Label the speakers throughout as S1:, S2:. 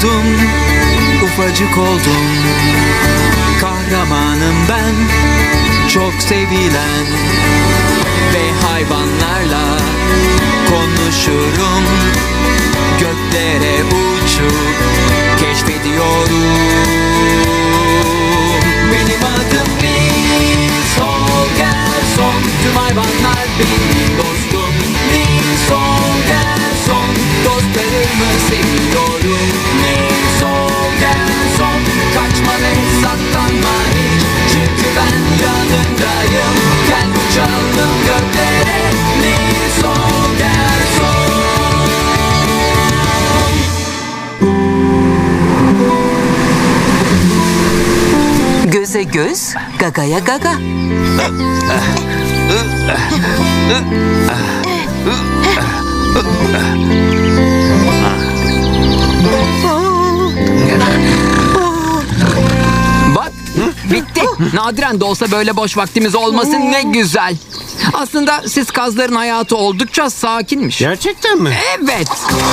S1: doğdum, ufacık oldum. Kahramanım ben, çok sevilen. Ve hayvanlarla konuşurum. Göklere uçup keşfediyorum. Benim adım Nils Holgersson. Tüm hayvanlar benim dostum. Nils Holgersson. Dostlarımı seviyorum. Nils Holgersson. Kaçma ve saklanma hiç. Çünkü ben yanındayım. Gel uçalım göklere. Nils Holgersson.
S2: Göze göz, gagaya gaga.
S3: Bak, bitti. Nadiren de olsa böyle boş vaktimiz olması ne güzel. Aslında siz kazların hayatı oldukça sakinmiş.
S4: Gerçekten mi?
S3: Evet.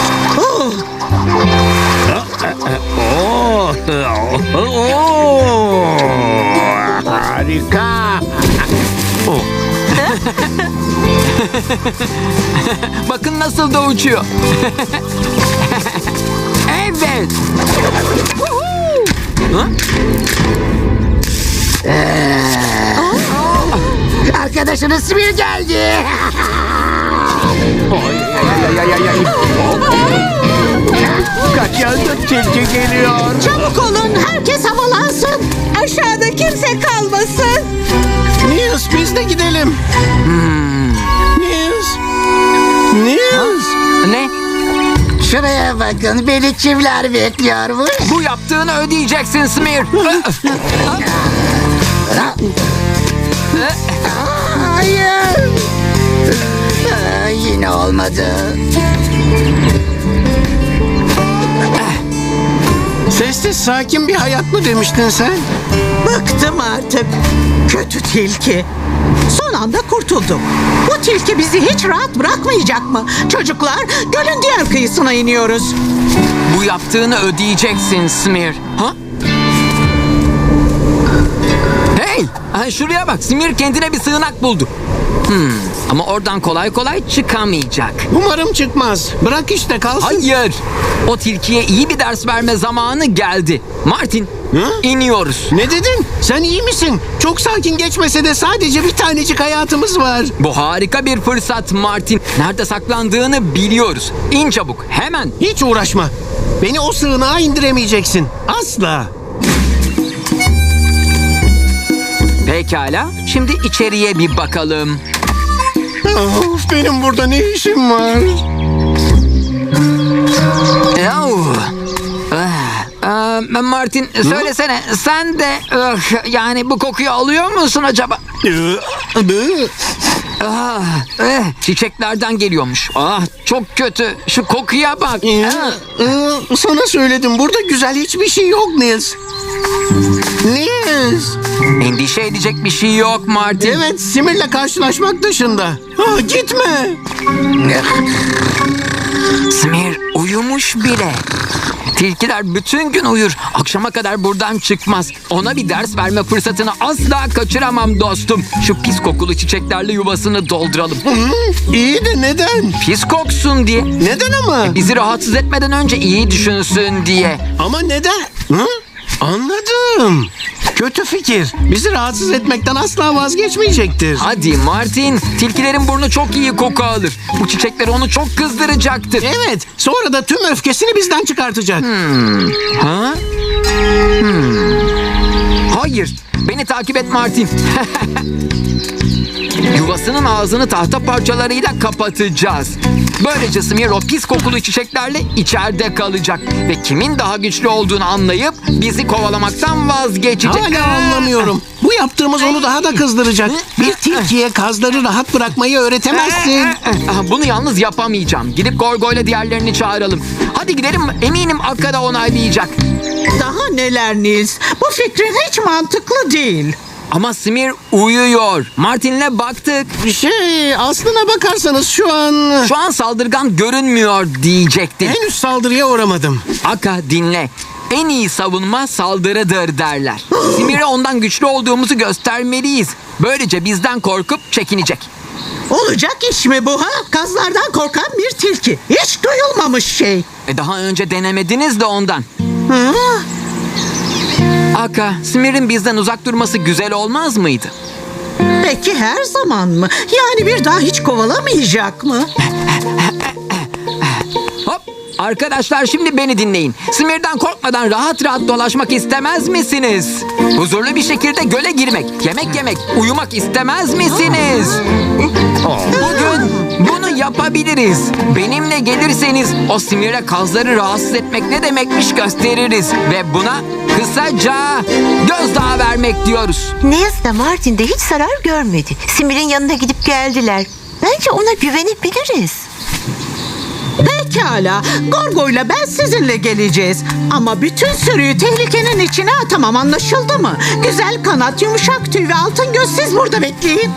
S4: Harika.
S3: Bakın nasıl da uçuyor. Evet.
S5: Arkadaşınız Smir geldi.
S4: Kaçalım, tilki geliyor.
S5: Çabuk olun, herkes havalansın. Aşağıda kimse kalmasın.
S4: Nils, biz de gidelim. Nils. Nils.
S3: Ne?
S5: Şuraya bakın, beni kimler bekliyormuş.
S3: Bu yaptığını ödeyeceksin Smir.
S5: Hayır. Yine olmadı.
S4: Sessiz, sakin bir hayat mı demiştin sen?
S6: Bıktım artık. Kötü tilki. Son anda kurtuldum. Bu tilki bizi hiç rahat bırakmayacak mı? Çocuklar, gölün diğer kıyısına iniyoruz.
S3: Bu yaptığını ödeyeceksin Smir. Ha? Hey! Şuraya bak. Smir kendine bir sığınak buldu. Ama oradan kolay kolay çıkamayacak.
S4: Umarım çıkmaz. Bırak işte kalsın.
S3: Hayır. O tilkiye iyi bir ders verme zamanı geldi. Martin, iniyoruz.
S4: Ne dedin? Sen iyi misin? Çok sakin geçmese de sadece bir tanecik hayatımız var.
S3: Bu harika bir fırsat Martin. Nerede saklandığını biliyoruz. İn çabuk, hemen.
S4: Hiç uğraşma. Beni o sığınağa indiremeyeceksin. Asla.
S3: Pekala, şimdi içeriye bir bakalım.
S4: Of, benim burada ne işim var?
S3: Yahu. Martin, söylesene sen de yani bu kokuyu alıyor musun acaba? Çiçeklerden geliyormuş. Çok kötü. Şu kokuya bak.
S4: Sana söyledim, burada güzel hiçbir şey yok Nils. Nils.
S3: Endişe edecek bir şey yok Martin.
S4: Evet, Simir'le karşılaşmak dışında. Gitme.
S3: Smir uyumuş bile. Tilkiler bütün gün uyur. Akşama kadar buradan çıkmaz. Ona bir ders verme fırsatını asla kaçıramam dostum. Şu pis kokulu çiçeklerle yuvasını dolduralım.
S4: İyi de neden?
S3: Pis koksun diye.
S4: Neden ama?
S3: Bizi rahatsız etmeden önce iyi düşünsün diye.
S4: Ama neden? Anladım. Kötü fikir. Bizi rahatsız etmekten asla vazgeçmeyecektir.
S3: Hadi Martin. Tilkilerin burnu çok iyi koku alır. Bu çiçekler onu çok kızdıracaktır.
S4: Evet. Sonra da tüm öfkesini bizden çıkartacak.
S3: Ha? Hayır. Beni takip et Martin. Yuvasının ağzını tahta parçalarıyla kapatacağız. Böylece Smir o pis kokulu çiçeklerle içeride kalacak. Ve kimin daha güçlü olduğunu anlayıp bizi kovalamaktan vazgeçecek.
S4: Hala anlamıyorum. Bu yaptığımız onu daha da kızdıracak. Bir tilkiye kazları rahat bırakmayı öğretemezsin.
S3: Bunu yalnız yapamayacağım. Gidip Gorgo'yla diğerlerini çağıralım. Hadi gidelim. Eminim Akka da onaylayacak.
S6: Daha neler Nils? Bu fikrin hiç mantıklı değil.
S3: Ama Simir uyuyor. Martin'le baktık.
S4: Aslına bakarsanız şu
S3: Şu an saldırgan görünmüyor diyecektim.
S4: henüz saldırıya uğramadım.
S3: Aka dinle. En iyi savunma saldırıdır derler. Simir'e ondan güçlü olduğumuzu göstermeliyiz. Böylece bizden korkup çekinecek.
S6: Olacak iş mi bu ha? Kazlardan korkan bir tilki. Hiç duyulmamış şey.
S3: Daha önce denemediniz de ondan.
S6: Hı?
S3: Aka, Simir'in bizden uzak durması güzel olmaz mıydı?
S6: Peki her zaman mı? Yani bir daha hiç kovalamayacak mı?
S3: Hop! Arkadaşlar şimdi beni dinleyin. Simir'den korkmadan rahat rahat dolaşmak istemez misiniz? Huzurlu bir şekilde göle girmek, yemek yemek, uyumak istemez misiniz? Bugün bunu yapabiliriz. Benimle gelirseniz o Simir'e kazları rahatsız etmek ne demekmiş gösteririz. Ve buna kısaca gözdağı vermek diyoruz.
S7: Ne yazık ki Martin de hiç zarar görmedi. Simir'in yanına gidip geldiler. Bence ona güvenebiliriz.
S6: Pekala. Gorgo'yla ben sizinle geleceğiz. Ama bütün sürüyü tehlikenin içine atamam, anlaşıldı mı? Güzel kanat, yumuşak tüy ve altın göz, siz burada bekleyin.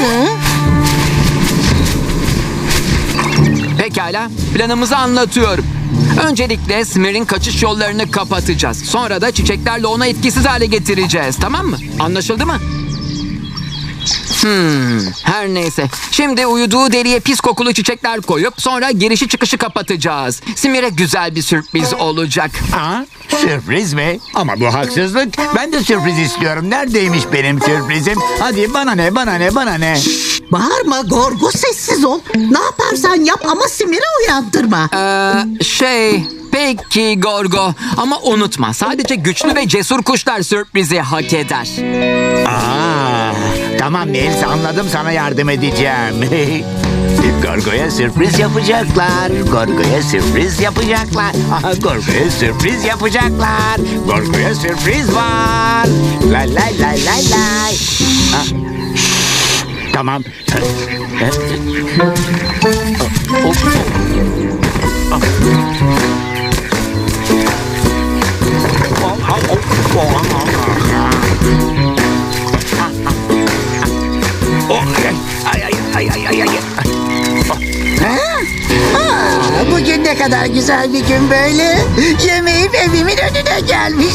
S3: Pekala, planımızı anlatıyorum. Öncelikle Smir'in kaçış yollarını kapatacağız. Sonra da çiçeklerle onu etkisiz hale getireceğiz, tamam mı? Anlaşıldı mı? Her neyse. Şimdi uyuduğu deriye pis kokulu çiçekler koyup sonra girişi çıkışı kapatacağız. Simir'e güzel bir sürpriz olacak.
S8: Aa, sürpriz mi? Ama bu haksızlık. Ben de sürpriz istiyorum. Neredeymiş benim sürprizim? Hadi bana ne, bana ne, bana ne?
S6: Bağırma Gorgo, sessiz ol. Ne yaparsan yap ama Simir'i uyandırma.
S3: Peki Gorgo. Ama unutma, sadece güçlü ve cesur kuşlar sürprizi hak eder.
S8: Aa, tamam Nils, anladım, sana yardım edeceğim. Gorgo'ya sürpriz yapacaklar. Gorgo'ya sürpriz yapacaklar. Aha, Gorgo'ya sürpriz yapacaklar. Gorgo'ya sürpriz var. Lay lay lay lay lay. Ha, tamam.
S5: Bugün ne kadar güzel bir gün böyle. Yemeğim evimin önüne gelmiş.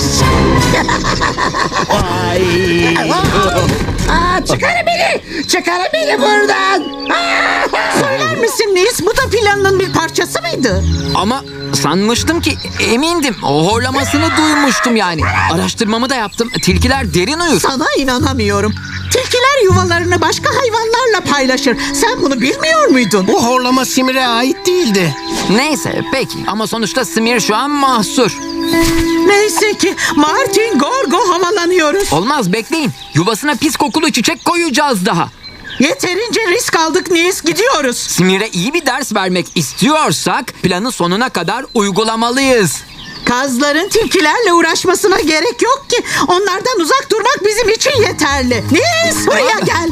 S5: Çıkarın beni! Çıkarın beni buradan!
S6: Söyler misin Nils, bu da planın bir parçası mıydı?
S3: Ama sanmıştım ki, emindim. O horlamasını duymuştum yani. Araştırmamı da yaptım. Tilkiler derin uyur.
S6: Sana inanamıyorum. Tilkiler yuvalarını başka hayvanlarla paylaşır. Sen bunu bilmiyor muydun?
S4: Bu horlama Simir'e ait değildi.
S3: Neyse peki ama sonuçta Simir şu an mahsur.
S6: Neyse ki Martin, Gorgo havalanıyoruz.
S3: Olmaz, bekleyin. Yuvasına pis kokulu çiçek koyacağız daha.
S6: Yeterince risk aldık Nils, gidiyoruz.
S3: Simir'e iyi bir ders vermek istiyorsak planı sonuna kadar uygulamalıyız.
S6: Kazların tilkilerle uğraşmasına gerek yok ki. Onlardan uzak durmak bizim için yeterli. Nils, buraya gel.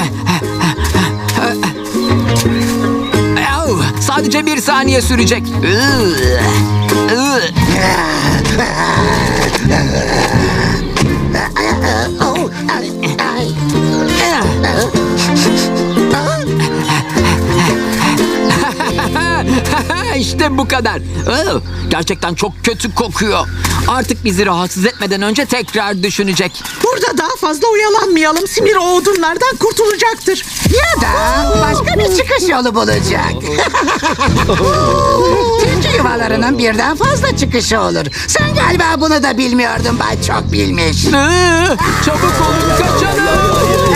S3: Sadece 1 saniye sürecek. İşte bu kadar. Gerçekten çok kötü kokuyor. Artık bizi rahatsız etmeden önce tekrar düşünecek.
S6: Burada daha fazla oyalanmayalım. Simir o odunlardan kurtulacaktır.
S5: Ya da başka bir çıkış yolu bulacak. Tilki yuvalarının birden fazla çıkışı olur. Sen galiba bunu da bilmiyordun, ben çok bilmiş.
S3: Çabuk olun, kaçalım.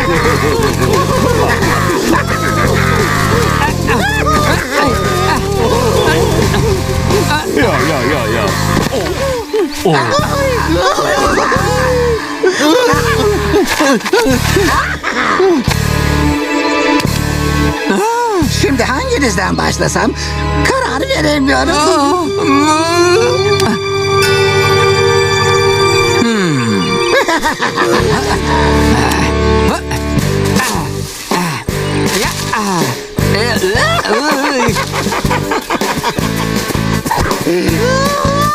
S5: Şimdi hanginizden başlasam karar veremiyorum.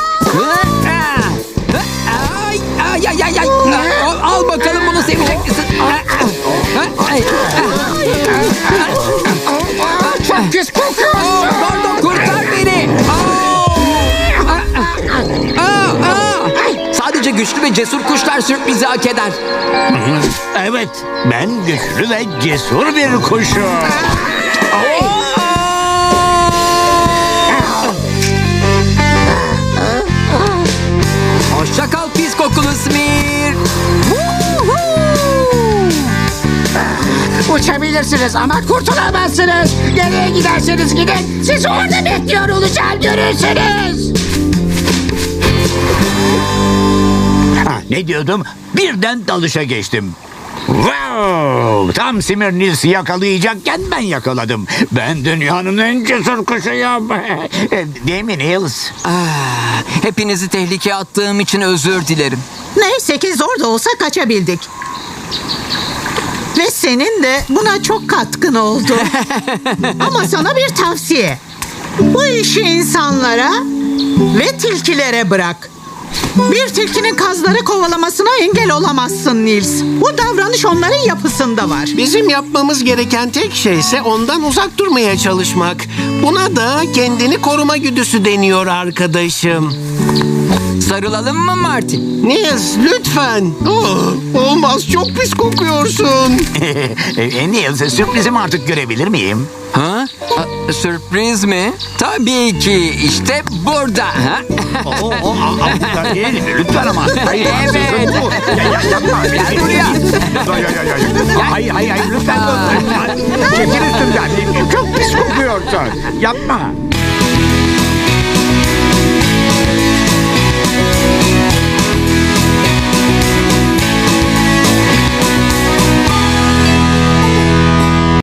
S3: Ay. Al bakalım, bunu sevecek misin?
S5: Pis kokuyorsun.
S3: Gordo kurtar beni. Sadece güçlü ve cesur kuşlar sürprizi hak eder.
S8: Evet, ben güçlü ve cesur bir kuşum.
S3: Hoşça kal pis kokulu Smir.
S5: Uçabilirsiniz ama kurtulamazsınız. Nereye giderseniz gidin. Sizi orada bekliyor olacağım, görürsünüz.
S8: Ne diyordum? Birden dalışa geçtim. Wow! Tam Simir Nils'i yakalayacakken ben yakaladım. Ben dünyanın en cesur kuşuyum. Değil mi Nils?
S2: Hepinizi tehlikeye attığım için özür dilerim.
S6: Neyse ki zor da olsa kaçabildik. Ve senin de buna çok katkın oldu. Ama sana bir tavsiye. Bu işi insanlara ve tilkilere bırak. Bir tilkinin kazları kovalamasına engel olamazsın Nils. Bu davranış onların yapısında var.
S4: Bizim yapmamız gereken tek şey ise ondan uzak durmaya çalışmak. Buna da kendini koruma güdüsü deniyor arkadaşım.
S2: Sarılalım mı Martin?
S4: Nils lütfen. Olmaz, çok pis kokuyorsun.
S8: Nils, sürprizimi artık görebilir miyim?
S2: Ha? Sürpriz mi? Tabii ki. İşte burada. Ha?
S8: Lütfen ama. Hayır,
S2: Evet.
S8: yapma.
S2: Gel buraya.
S8: Hayır, lütfen. Çekil üstümden. Çok pis kokuyorsun. Yapma.